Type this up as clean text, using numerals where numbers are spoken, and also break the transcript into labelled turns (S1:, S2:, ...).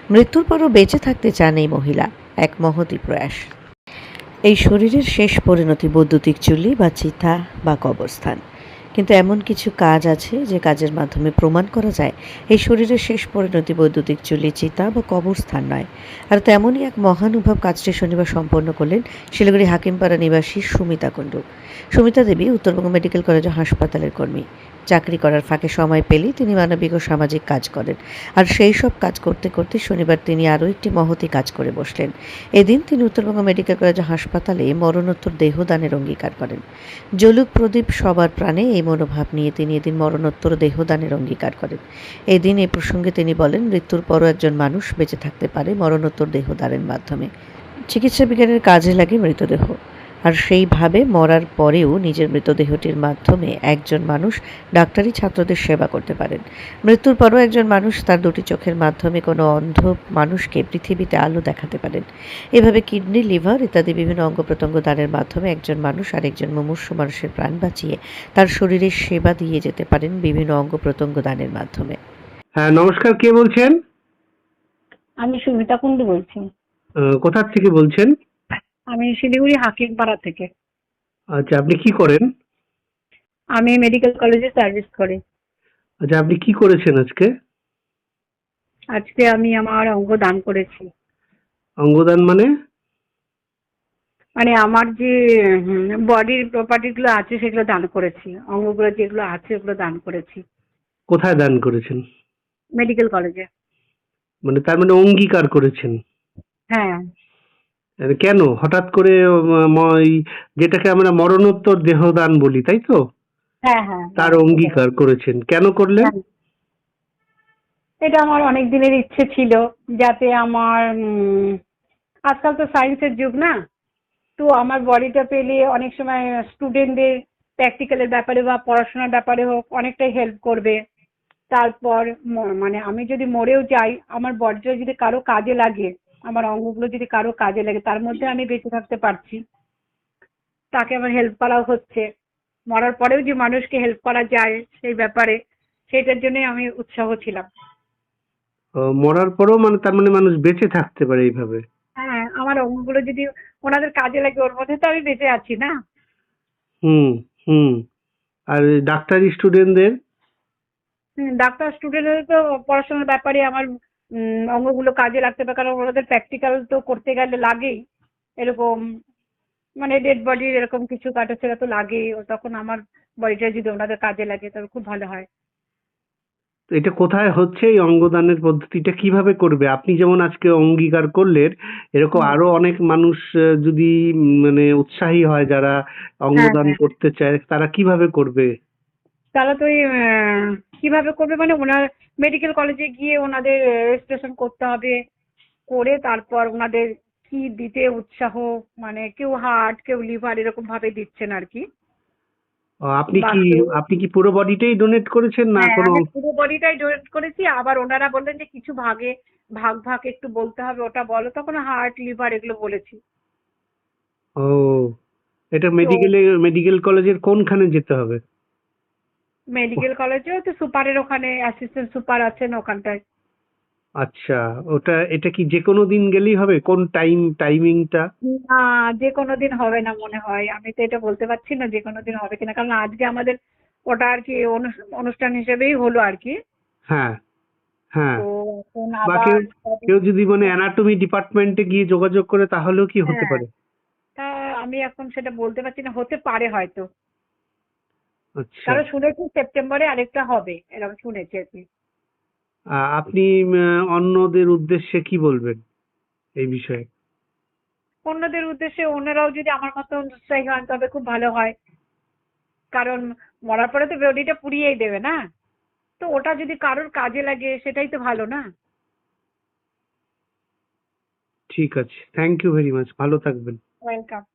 S1: মৃত্যুর পরও বেঁচে থাকতে চান এই মহিলা, এক মহতী প্রয়াস। এই শরীরের শেষ পরিণতি বৈদ্যুতিক চুল্লি বা চিতা বা কবরস্থান। কিন্তু এমন কিছু কাজ আছে যে কাজের মাধ্যমে প্রমাণ করা যায় এই শরীরের শেষ পরিণতি বৈদ্যুতিক চুল্লি, চিতা বা কবরস্থান নয়। আর তেমনই এক মহানুভব কাজটি শনিবার সম্পন্ন করলেন শিলিগুড়ি হাকিমপাড়া নিবাসী সুমিতা কুণ্ডু। সুমিতা দেবী উত্তরবঙ্গ মেডিকেল কলেজ ও হাসপাতালের কর্মী। চাকরি করার ফাঁকে সময় পেলেই তিনি মানবিক ও সামাজিক কাজ করেন। আর সেই সব কাজ করতে করতে শনিবার তিনি আরও একটি মহতী কাজ করে বসলেন। এদিন তিনি উত্তরবঙ্গ মেডিকেল কলেজ ও হাসপাতালে মরণোত্তর দেহদানের অঙ্গীকার করেন। জলুক প্রদীপ সবার প্রাণে, এই মনোভাব নিয়ে তিনি এদিন মরণোত্তর দেহদানের অঙ্গীকার করেন। এদিন এই প্রসঙ্গে তিনি বলেন, মৃত্যুর পরও একজন মানুষ বেঁচে থাকতে পারে মরণোত্তর দেহদানের মাধ্যমে। চিকিৎসা বিজ্ঞানের কাজে লাগে মৃতদেহ, আর সেইভাবে মরার পরেও নিজের মৃতদেহটির মাধ্যমে একজন মানুষ ডাক্তারি ছাত্রদের সেবা করতে পারেন। মৃত্যুর পরও একজন মানুষ তার দুটি চোখের মাধ্যমে কোনো অন্ধ মানুষকে পৃথিবীতে আলো দেখাতে পারেন। এভাবে কিডনি, লিভার ইত্যাদি বিভিন্ন অঙ্গ প্রত্যঙ্গ দানের মাধ্যমে একজন মানুষ আরেকজন মুমূর্ষু মানুষের প্রাণ বাঁচিয়ে তার শরীরের সেবা দিয়ে যেতে পারেন বিভিন্ন অঙ্গ প্রত্যঙ্গ দানের মাধ্যমে।
S2: হ্যাঁ, নমস্কার। কে বলছেন?
S3: আমি সুমিতা কুণ্ডু বলছি।
S2: কোথা থেকে বলছেন?
S3: আমি শিলিগুড়ি হাকিমপাড়া থেকে।
S2: আচ্ছা, আপনি কি করেন?
S3: আমি মেডিকেল কলেজে সার্ভিস করি।
S2: আচ্ছা, আপনি কি করেছেন আজকে?
S3: আজকে আমি আমার অঙ্গ দান করেছি।
S2: অঙ্গদান মানে?
S3: মানে আমার যে বডির প্রপার্টি গুলো আছে সেগুলো দান করেছি, অঙ্গগুলো যেগুলো আছে ওগুলো দান করেছি
S2: কোথায় দান করেছেন?
S3: মেডিকেল কলেজে।
S2: মানে তার মানে অঙ্গীকার করেছেন?
S3: হ্যাঁ
S2: কেন হঠাৎ করে যেটাকে আমরা মরণোত্তর দেহদান বলি, তাই তো?
S3: হ্যাঁ হ্যাঁ
S2: তার
S3: হ্যাঁ,
S2: অঙ্গীকার করেছেন, কেন করলেন?
S3: হ্যাঁ। এটা আমার অনেক দিনের ইচ্ছে ছিল, যাতে আমার আজকাল তো সায়েন্সের যুগ না, তো আমার বডিটা পেলে অনেক সময় স্টুডেন্টদের প্র্যাকটিক্যালের ব্যাপারে বা পড়াশোনার ব্যাপারে হোক অনেকটাই হেল্প করবে। তারপর মানে আমি যদি মরেও যাই, আমার বডিটা যদি কারো কাজে লাগে, আমার অঙ্গগুলো যদি কারো কাজে লাগে, তার মধ্যে আমি বেঁচে থাকতে পারছি, তাকে আমার হেল্প করাও হচ্ছে। মরার পরেও যে মানুষকে হেল্প করা যায় সেই ব্যাপারে, সেটার জন্যই আমি উৎসাহ ছিলাম।
S2: মরার পরেও মানে তার মানে মানুষ বেঁচে থাকতে পারে এইভাবে?
S3: হ্যাঁ, আমার অঙ্গগুলো যদি ওনাদের কাজে লাগে, ওর মধ্যে তো আমি বেঁচে আছি না।
S2: হুম, হুম। আর ডাক্তারি স্টুডেন্টদের?
S3: ডাক্তার স্টুডেন্টের তো পড়াশোনার ব্যাপারে আমার অঙ্গগুলো কাজে লাগতে পারে, কারণ ওনাদের প্র্যাকটিক্যাল তো করতে গেলে লাগেই। এরকম মানে ডেড বডির এরকম কিছু কাটাছেড়া তো লাগেই, ও তখন আমার বডিটা যদি ওনাদের কাজে লাগে তবে খুব ভালো হয়।
S2: তো এটা কোথায় হচ্ছে, এই অঙ্গদানের পদ্ধতিটা কিভাবে করবে? আপনি যেমন আজকে অঙ্গীকার করলেন, এরকম
S3: হুম।
S2: আরো অনেক মানুষ যদি মানে উৎসাহী হয় যারা
S3: হ্যাঁ
S2: অঙ্গদান
S3: হ্যাঁ,
S2: করতে চায়, তারা কিভাবে করবে?
S3: তারা তো ওই কিভাবে করবে মানে ওনার মেডিকেল কলেজে গিয়ে ওনাদের রেজিস্ট্রেশন করতে হবে, করে তারপর ওনাদের কি দিতে উৎসাহ, মানে কেউ হার্ট কেউ লিভার এরকম ভাবে দিচ্ছেন আর কি।
S2: আপনি
S3: বা
S2: কি
S3: কেউ,
S2: আপনি কি পুরো বডিটাই ডোনেট করেছেন না
S3: হ্যাঁ
S2: কোনো?
S3: আমি পুরো বডিটাই ডোনেট করেছি। আবার ওনারা বললেন যে কিছু ভাগে ভাগ ভাগ একটু বলতে হবে, ওটা বলো, তখন হার্ট লিভার এগুলো বলেছি।
S2: ও, এটা
S3: তো
S2: মেডিকেল কলেজের কোনখানে যেতে হবে?
S3: মেডিকেল কলেজেও তো সুপারের ওখানে অ্যাসিস্ট্যান্ট সুপার আছেন ওখানটায়।
S2: আচ্ছা, এটা কি যে কোনো দিন গেলেই হবে? কোন টাইমিংটা?
S3: না, যে কোনো দিন হবে না মনে হয়, আমি তো এটা বলতে পারছি না যে কোনো দিন হবে কিনা, কারণ আজকে আমাদের ওটা আর কি অনুষ্ঠান হিসেবেই হলো আর কি।
S2: হ্যাঁ, হ্যাঁ।
S3: তো এখন
S2: বা
S3: আবার
S2: কেউ কেউ যদি মানে অ্যানাটমি ডিপার্টমেন্টে গিয়ে যোগাযোগ করে তাহলেও কি হতে
S3: হ্যাঁ,
S2: পারে?
S3: তা আমি এখন সেটা বলতে পারছি না, হতে পারে হয়তো।
S2: আচ্ছা।
S3: কারণ শুনেছি সেপ্টেম্বরে আরেকটা হবে, এরকম শুনেছি আর কি।
S2: আপনি অন্যদের উদ্দেশ্যে কি বলবেন এই বিষয়ে?
S3: অন্যদের উদ্দেশ্যে ওনারাও যদি আমার মতো উৎসাহী হন তবে খুব ভালো হয়, কারণ মরার পরে তো বডিটা পুড়িয়েই দেবে না, তো ওটা যদি কারোর কাজে লাগে সেটাই তো ভালো না।
S2: ঠিক আছে। Thank you very much. ভালো থাকবেন।
S3: ওয়েলকাম।